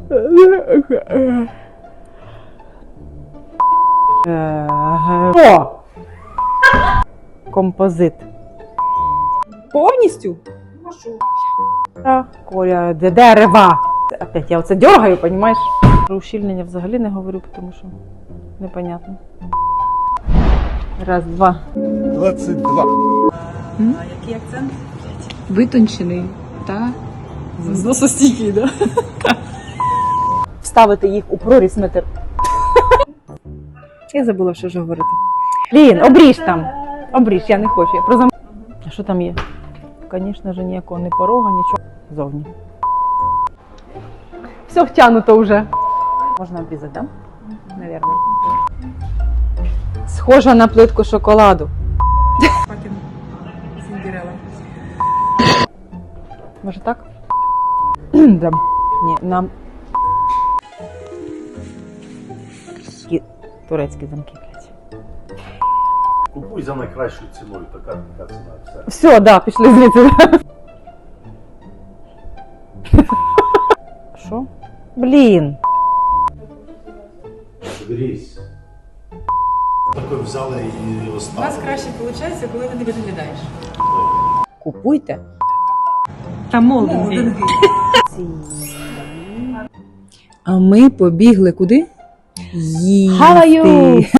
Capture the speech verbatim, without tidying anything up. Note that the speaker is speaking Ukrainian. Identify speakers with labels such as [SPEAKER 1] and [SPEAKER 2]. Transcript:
[SPEAKER 1] О! Композит.
[SPEAKER 2] Повністю?
[SPEAKER 1] Та, Коля, де дерева. Опять я оце дергаю, понімаєш? Про ущільнення взагалі не говорю, тому що непонятно. Раз, два.
[SPEAKER 3] двадцять два.
[SPEAKER 2] А який акцент? Витончений та зносостійкий, да?
[SPEAKER 1] Вставити їх у проріз метр. Я забула, що ж говорити. Лін, обріж там. Обріж, я не хочу. Я про зам... А що там є? Звісно ж, ніякого ні порога, нічого. Зовні. Все втягнуто вже. Можна обрізати, так? Да? Навірно. Схожа на плитку шоколаду.
[SPEAKER 2] Папін Сіндерелла.
[SPEAKER 1] Може так? Да. Ні, нам... Такі турецькі замки, блядь.
[SPEAKER 3] Купуй за найкращою ціною, така, така ціна, все.
[SPEAKER 1] Все, да, пішли звідси. Що? Блін.
[SPEAKER 3] Берись. Такой взяли і
[SPEAKER 2] У
[SPEAKER 3] оставили.
[SPEAKER 2] нас краще виходить, коли ти не виглядаєш.
[SPEAKER 1] Купуйте.
[SPEAKER 2] Та молдинги. А ми побігли куди? Їсти.
[SPEAKER 1] How are you?